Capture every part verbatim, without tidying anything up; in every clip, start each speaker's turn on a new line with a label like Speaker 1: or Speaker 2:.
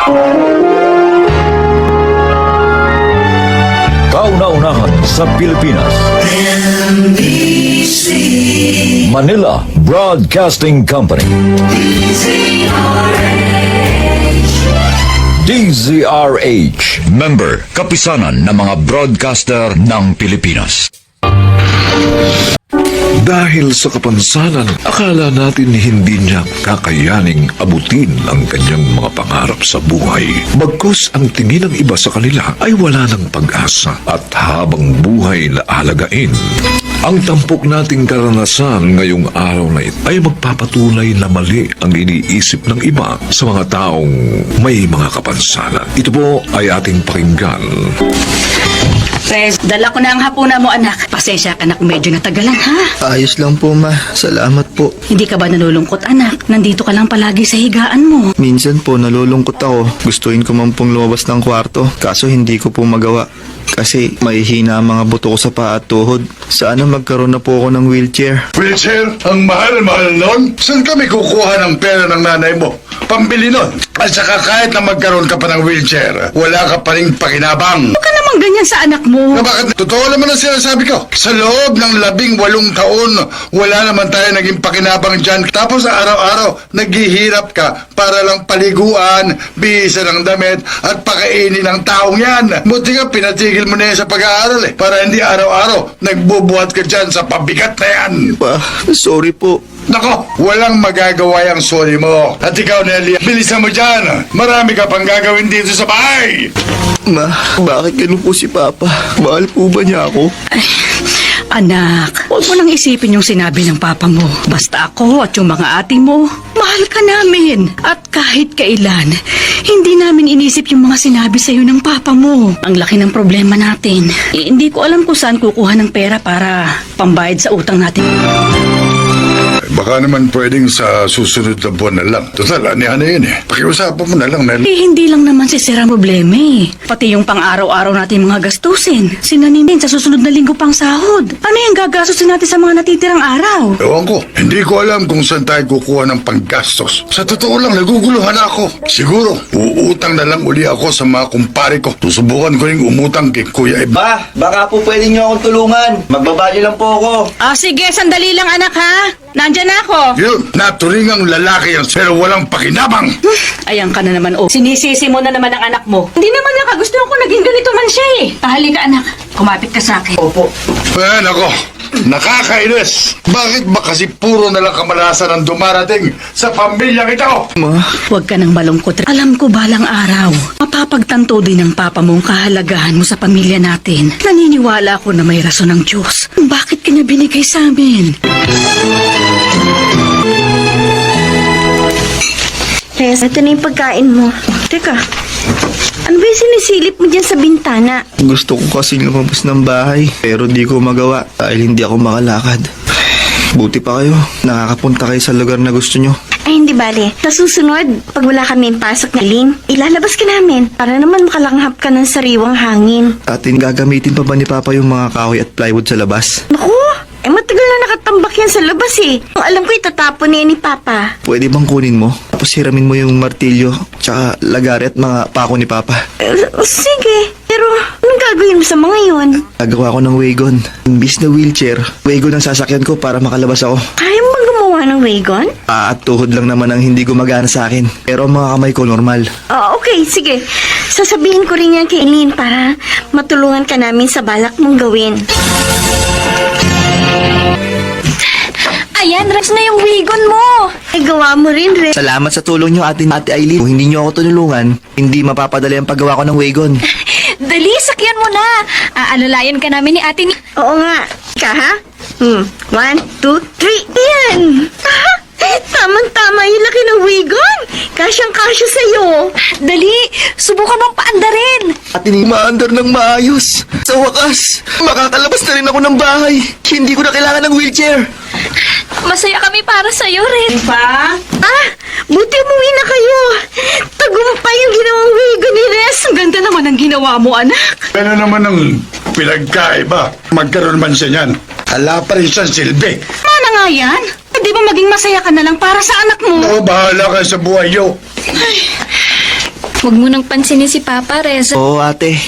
Speaker 1: Kauna-unahan sa Pilipinas.
Speaker 2: M B C
Speaker 1: Manila Broadcasting Company.
Speaker 2: D Z R H.
Speaker 1: D Z R H. Member, kapisanan ng mga broadcaster ng Pilipinas.
Speaker 3: Dahil sa kapansanan, akala natin hindi niya kakayaning abutin ang kanyang mga pangarap sa buhay. Bagkus ang tingin ng iba sa kanila ay wala ng pag-asa at habang buhay na alagain. Ang tampok nating karanasan ngayong araw na ito ay magpapatunay na mali ang iniisip ng iba sa mga taong may mga kapansanan. Ito po ay ating pakinggan.
Speaker 4: Pres, dala ko na ang hapunan mo, anak. Pasensya ka na kung medyo natagalan, ha?
Speaker 5: Ayos lang po, ma. Salamat po.
Speaker 4: Hindi ka ba nalulungkot, anak? Nandito ka lang palagi sa higaan mo.
Speaker 5: Minsan po nalulungkot ako. Gustuin ko man pong lumabas ng kwarto. Kaso hindi ko po magawa. Kasi mahihina ang mga buto ko sa paa at tuhod. Sana magkaroon na po ako ng wheelchair.
Speaker 6: Wheelchair? Ang mahal-mahal nun? Saan kami kukuha ng pera ng nanay mo? Pambili nun. At saka kahit na magkaroon ka pa ng wheelchair, wala ka pa rin pakinabang.
Speaker 4: Huwag ka naman ganyan sa anak mo.
Speaker 6: Na bakit? Totoo naman ang sinasabi ko. Sa loob ng labing walong taon, wala naman tayo naging pakinabang dyan. Tapos araw-araw, naghihirap ka para lang paliguan, bihisa ng damit, at pakainin ng taong yan. Buti nga, pinatigil mo na yan sa pag-aaral eh. Para hindi araw-araw, nagbubuhat ka dyan sa pabigat na yan.
Speaker 5: Pa, sorry po.
Speaker 6: Nako, walang magagawa yung sorry mo. At ikaw, Nelly, bilisan mo dyan. Marami ka pang gagawin dito sa bahay.
Speaker 5: Ma, bakit ganun po si Papa? Mahal po ba niya ako?
Speaker 4: Ay, anak, huwag mo nang isipin yung sinabi ng papa mo. Basta ako at yung mga ate mo, mahal ka namin. At kahit kailan, hindi namin inisip yung mga sinabi sa'yo ng papa mo. Ang laki ng problema natin. Eh, hindi ko alam kung saan kukuha ng pera para pambayad sa utang natin.
Speaker 6: Baka naman pwedeng sa susunod na buwan na lang. Total, anihan na yun eh. Pakiusapan mo na lang, Nelly.
Speaker 4: Eh, hindi lang naman si Sir ang problema eh. Pati yung pang-araw-araw natin mga gastusin. Sinanimin sa susunod na linggo pang sahod. Ano yung gagastusin natin sa mga natitirang araw?
Speaker 6: Ewan ko, hindi ko alam kung saan tayo kukuha ng panggastos. Sa totoo lang, naguguluhan ako. Siguro, uutang na lang uli ako sa mga kumpare ko. Susubukan ko rin umutang kay Kuya Ib.
Speaker 7: Ba, baka po pwede niyo akong tulungan. Magbabali lang po ako.
Speaker 4: Ah, sige, sandali lang anak ha. Nandyan na ako.
Speaker 6: Yun, naturingang lalaki yan pero walang pakinabang.
Speaker 4: Ayan ka na naman, oh. Sinisisi mo na naman ang anak mo. Hindi naman niya kagustuhan ko naging ganito man siya eh. Halika anak, kumapit ka sa akin.
Speaker 7: Opo.
Speaker 6: Eh, nako, nakakainis. Bakit ba kasi puro na lang kamalasan ang dumarating sa pamilyang ito?
Speaker 5: Ma,
Speaker 4: Huwag ka nang malungkot. Alam ko balang araw, mapapagtanto din ng papa mo ang kahalagahan mo sa pamilya natin. Naniniwala ako na may rason ng Diyos. Bakit ka niya binigay sa amin?
Speaker 8: Res, ito na yung pagkain mo. Teka, ano ba yung sinisilip mo dyan sa bintana?
Speaker 5: gusto ko kasing lumabas ng bahay. Pero di ko magawa dahil hindi ako makalakad. Buti pa kayo. Nakakapunta kayo sa lugar na gusto nyo.
Speaker 8: Ay, hindi bale. Sa susunod, pag wala kami pasok na Lin, ilalabas ka namin para naman makalanghap ka ng sariwang hangin.
Speaker 5: Atin gagamitin pa ba ni Papa yung mga kahoy at plywood sa labas?
Speaker 8: Naku, eh matagal na nakatambak yan sa labas eh. Kung alam ko, itatapon na yan ni Papa.
Speaker 5: Pwede bang kunin mo? Tapos hiramin mo yung martilyo, tsaka lagari at mga pako ni Papa.
Speaker 8: Eh, sige, pero anong gagawin mo sa mga yun?
Speaker 5: Gagawa ko ng wagon. Imbis na wheelchair, wagon ang sasakyan ko para makalabas ako.
Speaker 8: Kaya mo bang gumawa ng wagon?
Speaker 5: Ah, at tuhod lang naman ang hindi gumagana sa akin. Pero ang mga kamay ko normal.
Speaker 8: Oh, okay, sige. Sasabihin ko rin yan kay Eileen para matulungan ka namin sa balak mong gawin.
Speaker 9: Ayan, Rex na yung wagon mo.
Speaker 8: Ay, gawa mo rin, Ren.
Speaker 5: Salamat sa tulong nyo, Ate, Ate Aileen. Kung hindi nyo ako tinulungan, hindi mapapadali ang paggawa ko ng wagon.
Speaker 9: Dali, sakyan mo na. Aalalayan ka namin ni ate ni...
Speaker 8: Oo nga. Ka, ha? Hmm. One, two, three. Yan! Ha? Tamang-tama yung laki ng wagon. Kasyang-kasya sa'yo.
Speaker 9: Dali, subukan mong paandarin.
Speaker 5: Ate, maandar ng maayos. Sa wakas, makakalabas na rin ako ng bahay. Hindi ko na kailangan ng wheelchair.
Speaker 9: Masaya kami para sa'yo, Ren.
Speaker 4: Pa?
Speaker 8: Ah, buti umuwi na kayo. Tagumpay yung ginawang wagon ni Res.
Speaker 4: Ang ganda naman ang ginawa mo, anak.
Speaker 6: Ano naman ang pinagkaiba? Magkaroon man siya niyan. Hala pa rin siyang silbi.
Speaker 4: Mana nga yan? Hindi ba maging masaya ka na lang para sa anak mo?
Speaker 6: Oo, bahala ka sa buhay yo.
Speaker 9: Huwag mo nang pansinin si Papa, Reza.
Speaker 5: Oo, ate.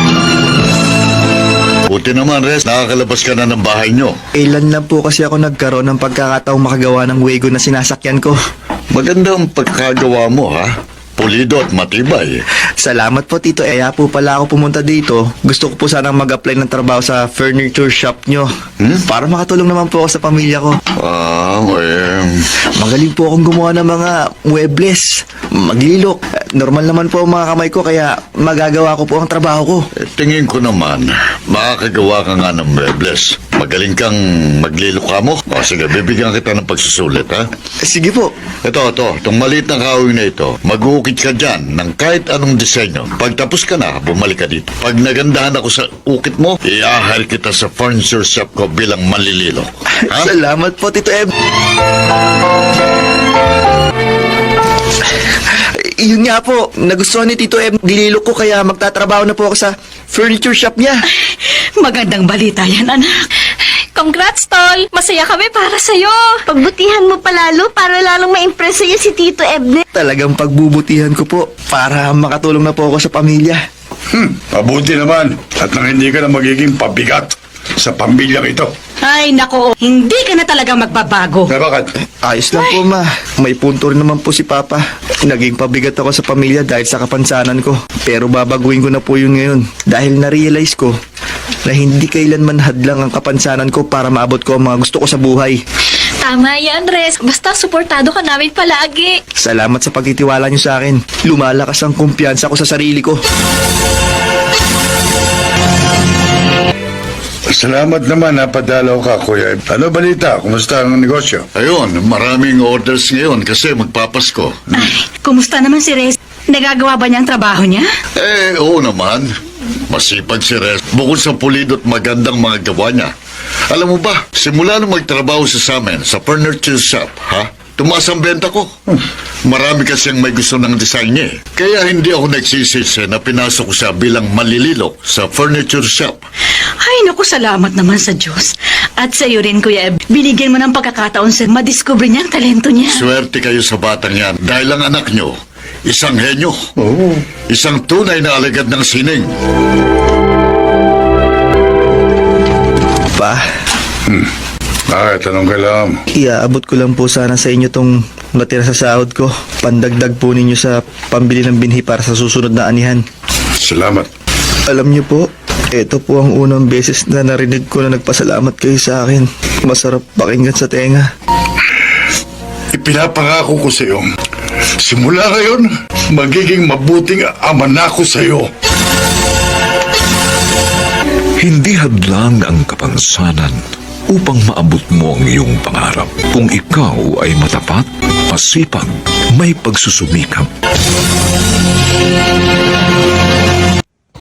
Speaker 1: Buti naman, Res, nakakalabas ka na ng bahay nyo.
Speaker 5: Ilan lang po kasi ako nagkaroon ng pagkakataong makagawa ng wagon na sinasakyan ko.
Speaker 1: Maganda ang pagkagawa mo, ha? Pulido at matibay.
Speaker 5: Salamat po, Tito. Eh, kaya po pala ako pumunta dito. Gusto ko po sanang mag-apply ng trabaho sa furniture shop nyo.
Speaker 1: Hmm?
Speaker 5: Para makatulong naman po ako sa pamilya ko.
Speaker 1: Ah, eh...
Speaker 5: Magaling po akong gumawa ng mga muebles, maglilok. Normal naman po ang mga kamay ko, kaya magagawa ko po ang trabaho ko.
Speaker 1: eh, Tingin ko naman, makakagawa ka nga ng muebles. Magaling kang maglilok ka mo. O sige, bibigyan kita ng pagsusulit, ha?
Speaker 5: Sige po.
Speaker 1: Ito, ito, itong maliit na kawing na ito, mag-uukit ka dyan ng kahit anong disenyo. Pag tapos ka na, bumalik ka dito. Pag nagandahan ako sa ukit mo, i-ahar kita sa furniture shop ko bilang manlililok. Ha?
Speaker 5: Salamat po, Tito Eb. Yun nga po, nagustuhan ni Tito Eb dililok ko, kaya magtatrabaho na po ako sa furniture shop niya.
Speaker 4: Magandang balita yan, anak.
Speaker 9: Congrats, Tol! Masaya kami para sa'yo!
Speaker 8: Pagbutihan mo palalo para lalong ma-impress sa'yo si Tito Ebner.
Speaker 5: Talagang pagbubutihan ko po para makatulong na po ako sa pamilya.
Speaker 6: Hmm, mabuti naman. At nang hindi ka na magiging pabigat sa pamilyang ito.
Speaker 4: Ay, nako, hindi ka na talaga magbabago.
Speaker 6: Na bakit?
Speaker 5: Ayos lang po, ma. May punto rin naman po si Papa. Naging pabigat ako sa pamilya dahil sa kapansanan ko. Pero babaguhin ko na po yun ngayon. Dahil na-realize ko na hindi kailanman hadlang ang kapansanan ko para maabot ko ang mga gusto ko sa buhay.
Speaker 9: Tama yan, Rez. Basta suportado ka namin palagi.
Speaker 5: Salamat sa pagtitiwala niyo sa akin. Lumalakas ang kumpiyansa ko sa sarili ko.
Speaker 6: Salamat naman napadalaw ka, Kuya. Ano balita? Kumusta ang negosyo?
Speaker 1: Ayun, maraming orders ngayon kasi magpapasko.
Speaker 4: Ay, kumusta naman si Rez? Nagagawa ba niya ang trabaho niya?
Speaker 1: Eh, oo naman. Masipag si Res. Bukod sa pulido at magandang mga gawa niya. Alam mo ba, simula nung magtrabaho siya sa amin sa furniture shop, ha? Tumaas ang benta ko. Marami kasing may gusto ng design niya eh. Kaya hindi ako nagsisisi na pinasok ko siya bilang malililok sa furniture shop.
Speaker 4: Ay, naku, salamat naman sa Diyos. At sa iyo rin, Kuya Eb, binigyan mo ng pagkakataon sa madiscover niya ang talento niya.
Speaker 1: Swerte kayo sa batang yan dahil ang anak niyo, isang henyo.
Speaker 6: Oo.
Speaker 1: Isang tunay na alagad ng sining.
Speaker 5: Pa,
Speaker 6: Bakit? Anong kailangan mo?
Speaker 5: iaabot ko lang po sana sa inyo tong natira sa sahod ko. Pandagdag po ninyo sa pambili ng binhi para sa susunod na anihan.
Speaker 6: Salamat.
Speaker 5: Alam niyo po, ito po ang unang beses na narinig ko na nagpasalamat kayo sa akin. Masarap pakinggan sa tenga.
Speaker 6: Ipinapangako ko sa iyo. Simula ngayon, magiging mabuting ama na ako sa iyo.
Speaker 3: Hindi hadlang ang kapansanan upang maabot mo ang iyong pangarap. Kung ikaw ay matapat, masipag, may pagsusumikap.